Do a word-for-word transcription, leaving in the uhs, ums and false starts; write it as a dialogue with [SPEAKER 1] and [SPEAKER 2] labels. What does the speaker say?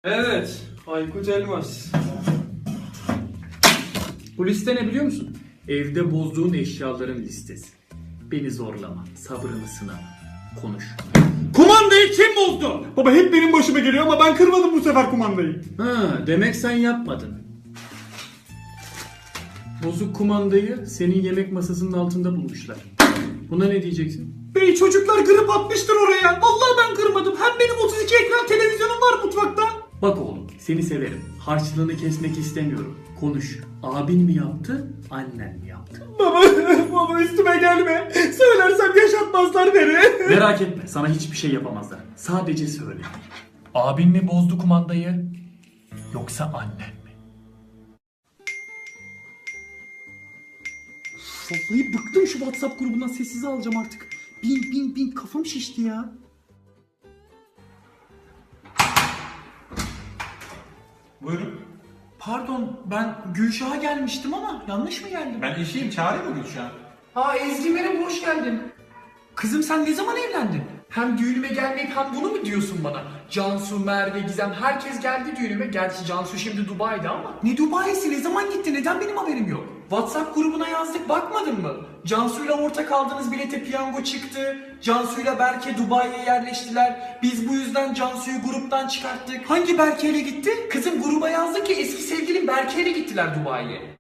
[SPEAKER 1] Evet, Aykut Elmas. Bu liste ne biliyor musun? Evde bozduğun eşyaların listesi. Beni zorlama, sabrımı sınama. Konuş.
[SPEAKER 2] Kumandayı kim bozdu? Baba hep benim başıma geliyor ama ben kırmadım bu sefer kumandayı.
[SPEAKER 1] Ha, demek sen yapmadın. Bozuk kumandayı senin yemek masasının altında bulmuşlar. Buna ne diyeceksin?
[SPEAKER 2] Bey çocuklar kırıp atmıştır oraya. Vallahi ben kırmadım. Hem benim otuz iki ekran televizyonum var mutfakta.
[SPEAKER 1] Bak oğlum, seni severim. Harçlığını kesmek istemiyorum. Konuş. Abin mi yaptı, annen mi yaptı?
[SPEAKER 2] Baba, baba üstüme gelme. Söylersem yaşatmazlar beni.
[SPEAKER 1] Merak etme, sana hiçbir şey yapamazlar. Sadece söyle. Abin mi bozdu kumandayı, yoksa annen mi?
[SPEAKER 2] Vallahi bıktım şu WhatsApp grubundan, sessize alacağım artık. Bin bin bin kafam şişti ya.
[SPEAKER 3] Buyurun.
[SPEAKER 2] Pardon, ben Gülşah'a gelmiştim ama yanlış mı geldim?
[SPEAKER 3] Ben eşiyim. Çağırayım mı Gülşah?
[SPEAKER 2] Aa Ezgi merhaba, hoş geldin. Kızım sen ne zaman evlendin? Hem düğünüme gelmeyip hem bunu mu diyorsun bana? Cansu, Merve, Gizem herkes geldi düğünüme. Gerçi Cansu şimdi Dubai'de ama. Ne Dubai'si, ne zaman gitti, neden benim haberim yok? WhatsApp grubuna yazdık, bakmadın mı? Cansu'yla ortak aldığınız bilete piyango çıktı. Cansu'yla Berke Dubai'ye yerleştiler. Biz bu yüzden Cansu'yu gruptan çıkarttık. Hangi Berke'yle gitti? Kızım gruba yazdık ki eski sevgilim Berke'yle gittiler Dubai'ye.